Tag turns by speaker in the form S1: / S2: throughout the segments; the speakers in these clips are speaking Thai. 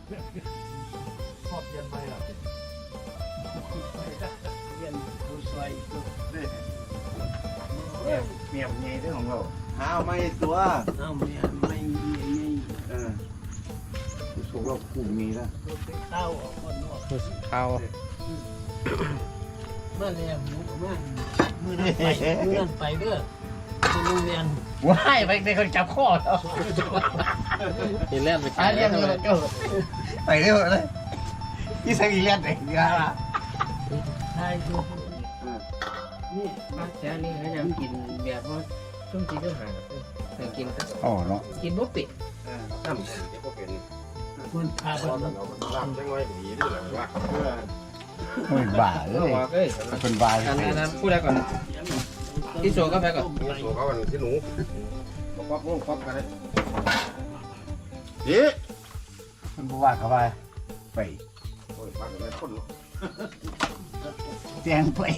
S1: ชอบเย็นไหมล่ะเย็นผู้ชายเมียเมียเรื่องของเราหาไม่ตัวเอาเมียไม่สูงเราคู่มีแล้วข้าวคนนอก
S2: ข้าว
S1: มาเลยหมูมามือนั่นไปเด้อโรงเรียน
S2: ว้ายไปในคนจับข้อแล้วเห็นเล่นไปเล่นเลยไปเรื่อยเลยที่สังเกตเด็กดีกว่า
S1: ใช่ดูนี่
S3: บ้านแถวนี้เขาจะกินแบบว่าช่วงที่ต้องหาเคยกินก็
S2: อ๋อเนาะ
S3: กินบุฟเฟ่ต์
S4: น้ำจะพวกเป็น
S1: คนพาไป
S4: ตอนนั้นเราลาบจังไว้ดีด้วยหรือว่า
S2: ไม่บ้าเลย
S3: เอ้ย
S2: เป็นบ้า
S3: อันนั้นพูดได้ก่อนที่โชว์ก็ไปก่อน
S4: ตัวเขาวันที่หนูบอกว่าพวกฟักกันเลยดี
S2: มันบ้าเข้าไปไป
S4: โอ้ยฟักกันไม่พ้น
S2: แจงไป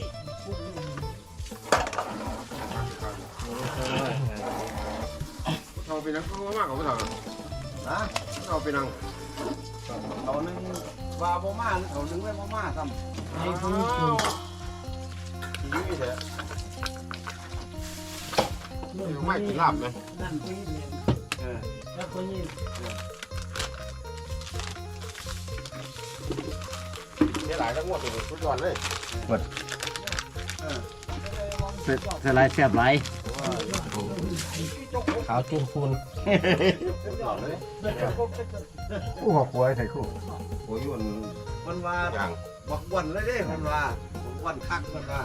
S4: เขาไปนั่งเขามากกว่าเขาฮะเขาไปนั่ง
S1: เขานึงว่าบ่มาเขานึงไว้บ่มาซ้ำให้ผู้ชม
S4: นี่เถอะไม่กินลาบไหม
S1: นั่นผู้หญิงแล้วคนนี้
S4: นี่หลายทั้งหมดเลยทุกวันเลย
S2: เสลายแซ่บไรขาวจุ่มคูนคู่หัวควายใส่คู่
S4: โอ้ยมัน
S1: มันว่า
S4: อย่าง
S1: บักวันเลยเด้มันว่าบักวันคักมันว่า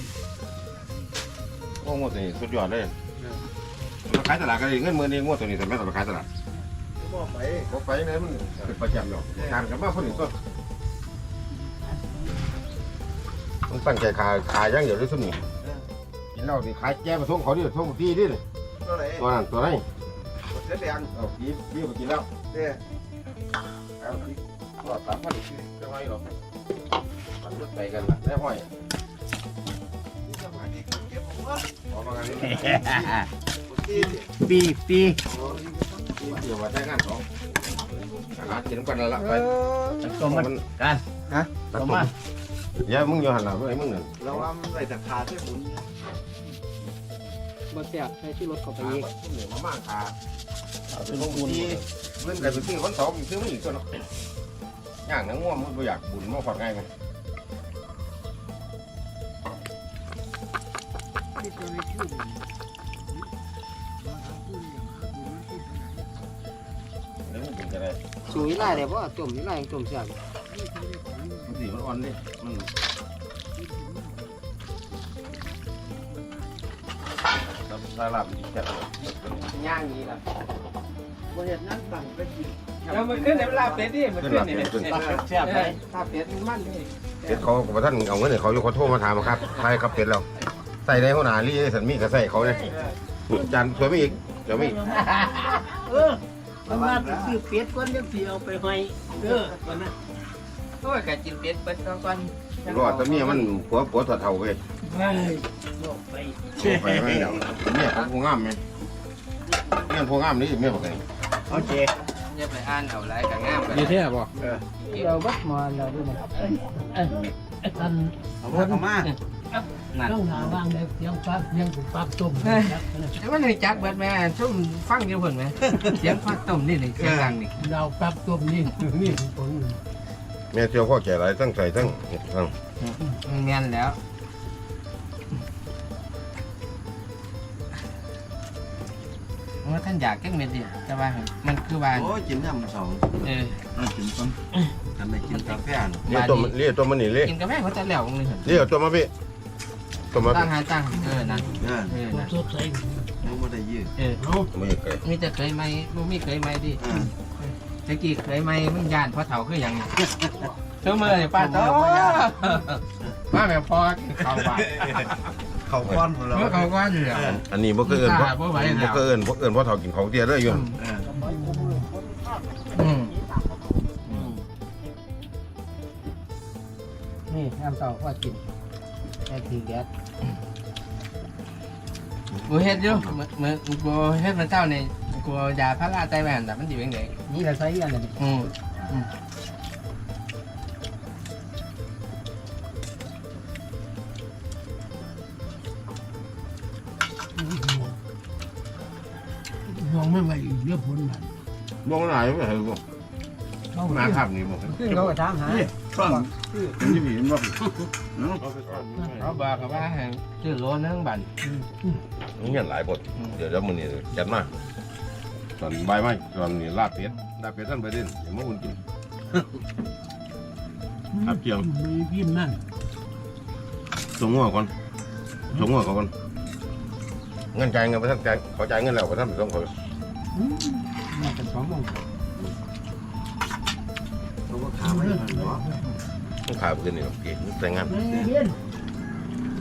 S4: พวกงวดตัวนี้สุดยอดเลยมาขายตลาดกันเองเงินมือนี้งวดตัวนี้แต่ไม่ต้องไปขายตลาด
S1: บ่ไป
S4: ก็ไปไหนมันเป็นประจำหรอกงานกับมาคนอื่นก็ต้องตั้งใจขายย่างเดียวด้วยสมุนกินเหล้าดิขายแก้มาท่งเขาดิท่งตีดิ
S1: ตัวไหน
S4: ตัวนั้นตัวนี้
S1: เสื้อแดง
S4: เอาพี่ไปกินแล้ว
S1: เด้
S4: เอาพี่ก็ตามพันอีกจะไม่หรอกมันรถไปกันละได้ห้อยออกมางานนี้
S2: ปีปี
S4: เดี๋ยวมาใช้งานสองหากินกันแล้วละไป
S2: ตัวมันกันฮะตัวมัน
S4: อย่ามึงอย่าหันหลังไอ้มึงเนี่ย
S1: เราว่ามันใส่ตะขาใส่หมุน
S3: บนเสียบใช้ชื่อรถเข้าไป
S4: ขา
S3: อีก
S4: แบบเหนือมาม่าขาเป็นบุญเล่นกันเป็นที่คนสองอีกซื้อไม่อีกตัวเนาะย่างนังง่วงมันไม่อยากบุญมาฝอดง่ายไหมเดี๋ยวมันเป็นจะได้
S3: สูงยี่ไรเดี๋ยวว่าจมยี่ไรยังจมเสียบ
S4: มันสีมันอ่อนดิมันลาลาบจัดเลย
S3: ย่างนี้ละ
S1: บ่เห็นนั่งตั้งไปกิน
S3: แล้วมันขึ้นในเวลาเป็ดดิมัน
S4: ขึ้น
S3: ขึ้
S4: ห
S3: น
S4: ลับ
S3: นี่
S4: ขึ้น
S2: แซ่บไร
S3: ถ้าเป็ดมันมันเลย
S4: เป็ดเขาบอกท่านเอาเงินให้เขาอยู่เขาโทรมาถามครับใช่ครับเป็ดเราใส่ในหัวหน้าลี่สันมีก็ใส่เขาเลยจานสวยไม่อีกเดี๋ยวไม่อีก
S1: มันว่าไปซื้อเป็ดก่อนจังสิเอาไปให้เด้อวันนั้น
S3: โอ้ยกะกินเป็ดเป็ดก่อน
S4: รอดแต่เมียมันผัวถอดเท่าไป
S1: เฮ้ยบอกไป
S4: ไปไม่เดี๋ยวเมียพวกงามไหมเมียพวกงามนี่เมียบอกไง
S2: โอเค
S3: อย่าไปอ่านเอาไรกับงามไป
S2: ดีเท่บ่
S3: เราบัดมาเราด้วยนะ
S1: อัน
S2: เอาพวกเขามา
S1: ต้องหาว่างได้เสียงฟักเสียงฟักต้ม
S3: แต่ว่าในจักเบิดแม่ชุ่มฟังอยู่เพิ่นไหมเสียงฟักต้มนี่นี่เสียงดังนี่
S1: เราฟักต้มนี่นี่ผล
S4: เมียเที่ยวข้อแก่ไรตั้งใส่ตั้ง
S3: แม่นแล้วว่าท่านอยากแก้เม็ดดิแต่ว่ามันคือว่า
S1: โอ้กินยำสอง
S3: เออ
S1: กินต้นทำไมกินกาแฟ
S4: เรียกตัวมันนี่เรียก
S3: กินกาแฟเขาจะแล้วมึงเลย
S4: เรียกตัวมาพี่ตัวมา
S3: ตั้
S4: พี่
S3: งหาตั้งนั่น
S1: สดใสเราไม่ได้ยืดเอา
S4: ไม่เคย
S3: มีแต่เคยไหมบ่มีเคยไหมดิตะกี้เคยไหมมึงย่านเพราะเฒ่าคือหยังเท่าเมื่อป้าโตป้าแม่พอกินข้าวหวาน
S1: เขาก้อนของเรา
S3: เมื่อเขาก็อยู่แล้ว
S4: อันนี้บ่เคยเอิญเพราะเพราะเท่ากินเขาเตี้ยเลยอยู่
S3: นี่น้ำเต้าก็กินแค่ทีแก๊สกูเฮ็ดอยู่เหมือนกูเฮ็ดมันเจ้าในกูยาพาราไตแหวนแต่มันอยู่ยังไง
S2: นี่เราใช้อันนี้
S3: อืม
S5: มองไม่ไหวเยอะผลมัน
S4: มองไหนไม่เห็นบ่มาครับนี่บ่
S2: ขึ้นเขาก็ถามหา
S1: นี่ช่องนี่เห็นบ่เนาะ
S3: เขาบอกกับว่าให้ซื้อโลนึงบัน
S4: เงี้ยหลายบทเดี๋ยวมื้อนี้จัดมาตอนบ่ายมาตอนนี้ลาบเป็ดท่านไปเด่นอย่ามาอุ่นกินครับเจียว
S5: มีพิมพ์นั่น
S4: ส่งหัวก่อนเงินจ่ายเงินไปท่านจ่ายขอจ่ายเงินแล้วไปท่านไปส่งเขา
S2: มาเป็น2 โมง
S1: เขาก็ถามให้มันเนาะ
S4: ต้องขายไปกินนี่เก๋แต่งงาน
S5: เรียน